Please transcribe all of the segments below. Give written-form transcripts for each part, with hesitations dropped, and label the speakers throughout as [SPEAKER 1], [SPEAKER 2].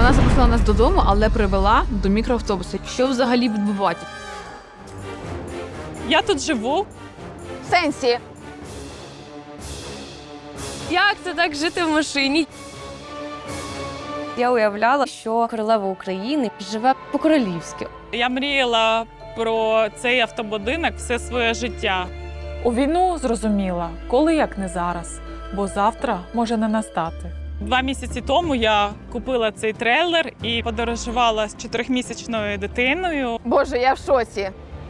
[SPEAKER 1] Вона запросила нас додому, але привела до мікроавтобуса. Що взагалі відбувається?
[SPEAKER 2] Я тут живу.
[SPEAKER 3] В сенсі?
[SPEAKER 4] Як це так жити в машині? Я уявляла, що королева України живе по-королівськи.
[SPEAKER 2] Я мріяла про цей автобудинок все своє життя.
[SPEAKER 5] У війну зрозуміла, коли як не зараз, бо завтра може не настати.
[SPEAKER 2] 2 місяці тому я купила цей трейлер і подорожувала з 4-місячною дитиною.
[SPEAKER 3] Боже, я в шоці.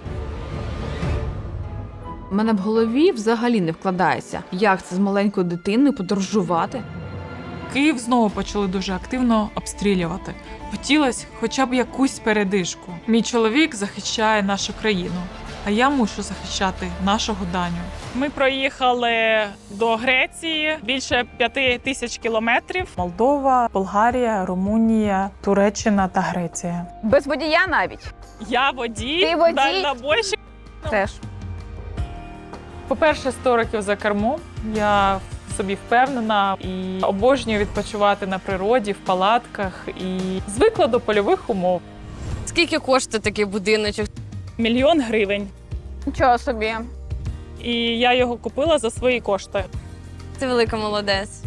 [SPEAKER 1] У мене в голові взагалі не вкладається, як це з маленькою дитиною подорожувати.
[SPEAKER 5] Київ знову почали дуже активно обстрілювати. Хотілося хоча б якусь передишку. Мій чоловік захищає нашу країну, а я мушу захищати нашого Даню.
[SPEAKER 2] Ми проїхали до Греції більше 5000 кілометрів.
[SPEAKER 5] Молдова, Болгарія, Румунія, Туреччина та Греція.
[SPEAKER 3] Без водія навіть.
[SPEAKER 2] Я водій,
[SPEAKER 3] Ти водій?
[SPEAKER 2] дальнобойщик.
[SPEAKER 3] Теж.
[SPEAKER 5] По-перше, 100 років за кермом. Я в собі впевнена і обожнюю відпочивати на природі, в палатках і звикла до польових умов.
[SPEAKER 4] Скільки коштує такий будиночок?
[SPEAKER 2] 1 000 000 гривень.
[SPEAKER 3] Нічого собі.
[SPEAKER 2] І я його купила за свої кошти.
[SPEAKER 4] Ти велика молодець.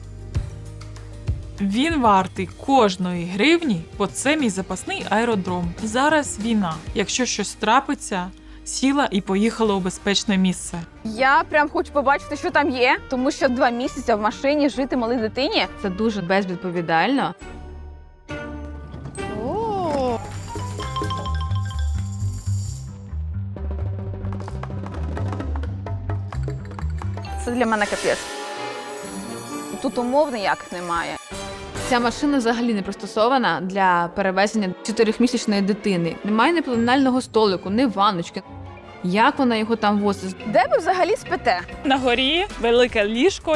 [SPEAKER 5] Він вартий кожної гривні, бо це мій запасний аеродром. Зараз війна. Якщо щось трапиться, сіла і поїхала у безпечне місце.
[SPEAKER 3] Я прям хочу побачити, що там є, тому що 2 місяці в машині жити малій дитині.
[SPEAKER 1] Це дуже безвідповідально.
[SPEAKER 3] Це для мене капець. Тут умов ніяких немає.
[SPEAKER 1] Ця машина взагалі не пристосована для перевезення 4-місячної дитини. Немає ні пеленального столику, ні ванночки. Як вона його там возить?
[SPEAKER 3] Де ви взагалі спите?
[SPEAKER 2] На горі велике ліжко.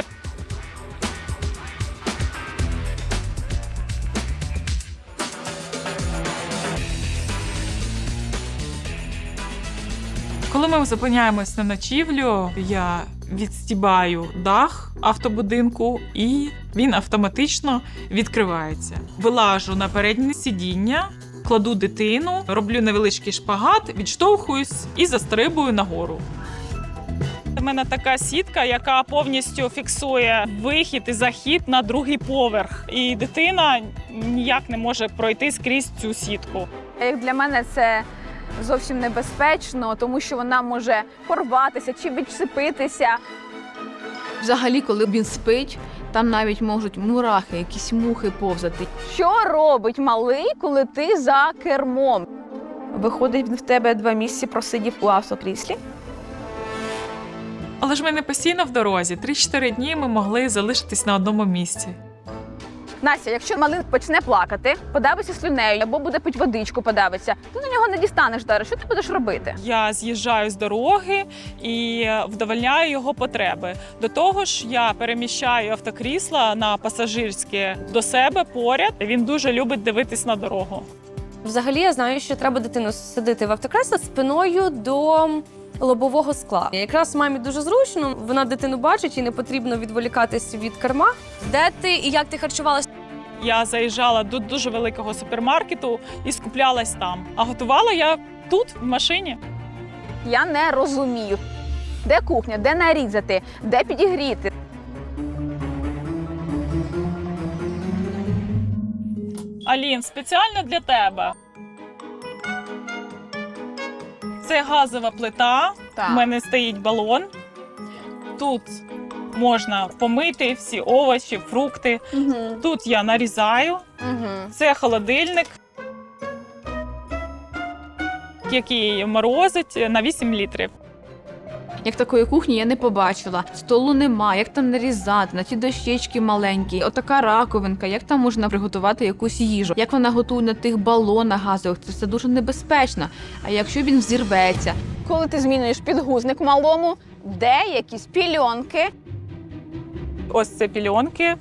[SPEAKER 5] Коли ми зупиняємось на ночівлю, я відстібаю дах автобудинку і він автоматично відкривається. Вилажу на переднє сидіння, кладу дитину, роблю невеличкий шпагат, відштовхуюсь і застрибую нагору.
[SPEAKER 2] У мене така сітка, яка повністю фіксує вихід і захід на 2-й поверх. І дитина ніяк не може пройти скрізь цю сітку.
[SPEAKER 3] Як для мене це зовсім небезпечно, тому що вона може порватися чи відчепитися.
[SPEAKER 1] Взагалі, коли він спить, там навіть можуть мурахи, якісь мухи повзати.
[SPEAKER 3] Що робить малий, коли ти за кермом? Виходить, він в тебе 2 місяці просидів у автокріслі?
[SPEAKER 5] Але ж ми не постійно в дорозі. 3-4 дні ми могли залишитись на одному місці.
[SPEAKER 3] Настя, якщо малий почне плакати, подавиться слюнею або буде пити водичку, подавиться, ти до нього не дістанеш зараз. Що ти будеш робити?
[SPEAKER 2] Я з'їжджаю з дороги і вдовольняю його потреби. До того ж, я переміщаю автокрісла на пасажирське до себе поряд. Він дуже любить дивитись на дорогу.
[SPEAKER 4] Взагалі, я знаю, що треба дитину садити в автокресло спиною до лобового скла. Якраз мамі дуже зручно, вона дитину бачить і не потрібно відволікатись від керма. Де ти і як ти харчувалася?
[SPEAKER 2] Я заїжджала до дуже великого супермаркету і скуплялась там. А готувала я тут, в машині.
[SPEAKER 3] Я не розумію, де кухня, де нарізати, де підігріти.
[SPEAKER 2] Алін, спеціально для тебе. Це газова плита.
[SPEAKER 3] Так.
[SPEAKER 2] У мене стоїть балон. Тут можна помити всі овочі, фрукти.
[SPEAKER 3] Угу.
[SPEAKER 2] Тут я нарізаю.
[SPEAKER 3] Угу.
[SPEAKER 2] Це холодильник, який морозить на 8 літрів.
[SPEAKER 1] Як такої кухні я не побачила. Столу нема, як там нарізати, на ті дощечки маленькі. Отака раковинка, як там можна приготувати якусь їжу. Як вона готує на тих балонах газових, це все дуже небезпечно. А якщо він взірветься?
[SPEAKER 3] Коли ти змінюєш підгузник малому, де якісь пільонки.
[SPEAKER 2] Ось це пільонки.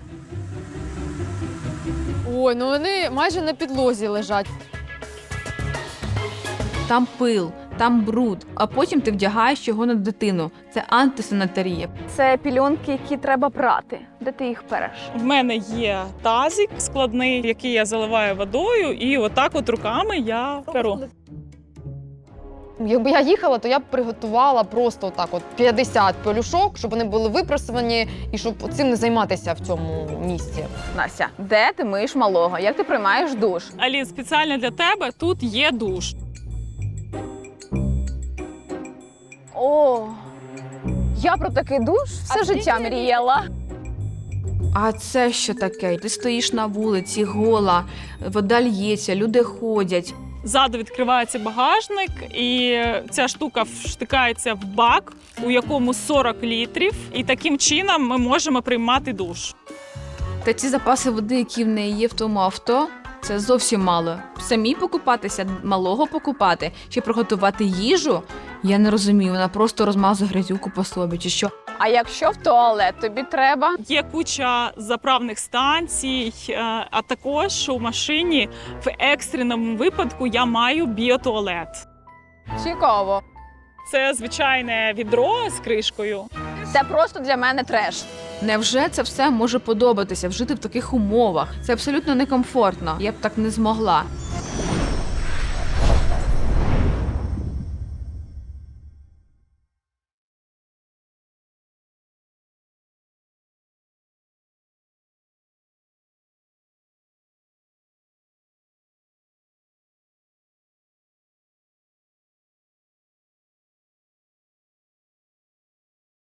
[SPEAKER 6] Ой, ну вони майже на підлозі лежать.
[SPEAKER 1] Там пил, там бруд, а потім ти вдягаєш його на дитину. Це антисанітарія.
[SPEAKER 3] Це пільонки, які треба прати. Де ти їх переш?
[SPEAKER 2] В мене є тазик складний, який я заливаю водою, і отак от руками я перу.
[SPEAKER 6] Якби я їхала, то я б приготувала просто отак от 50 пелюшок, щоб вони були випрасувані і щоб цим не займатися в цьому місці.
[SPEAKER 3] Настя, де ти миєш малого? Як ти приймаєш душ?
[SPEAKER 2] Алін, спеціально для тебе тут є душ.
[SPEAKER 3] О, я про такий душ все життя мріяла.
[SPEAKER 1] А це що таке? Ти стоїш на вулиці, гола, вода л'ється, люди ходять.
[SPEAKER 2] Ззаду відкривається багажник, і ця штука вштикається в бак, у якому 40 літрів. І таким чином ми можемо приймати душ.
[SPEAKER 1] Та ці запаси води, які в неї є в тому авто, це зовсім мало. Самі покупатися, малого покупати, чи приготувати їжу, я не розумію. Вона просто розмазує грязюку по собі, чи що.
[SPEAKER 3] А якщо в туалет тобі треба?
[SPEAKER 2] Є куча заправних станцій, а також у машині в екстреному випадку я маю біотуалет.
[SPEAKER 3] Цікаво.
[SPEAKER 2] Це звичайне відро з кришкою.
[SPEAKER 3] Це просто для мене треш.
[SPEAKER 1] Невже це все може подобатися, вжити в таких умовах? Це абсолютно некомфортно. Я б так не змогла.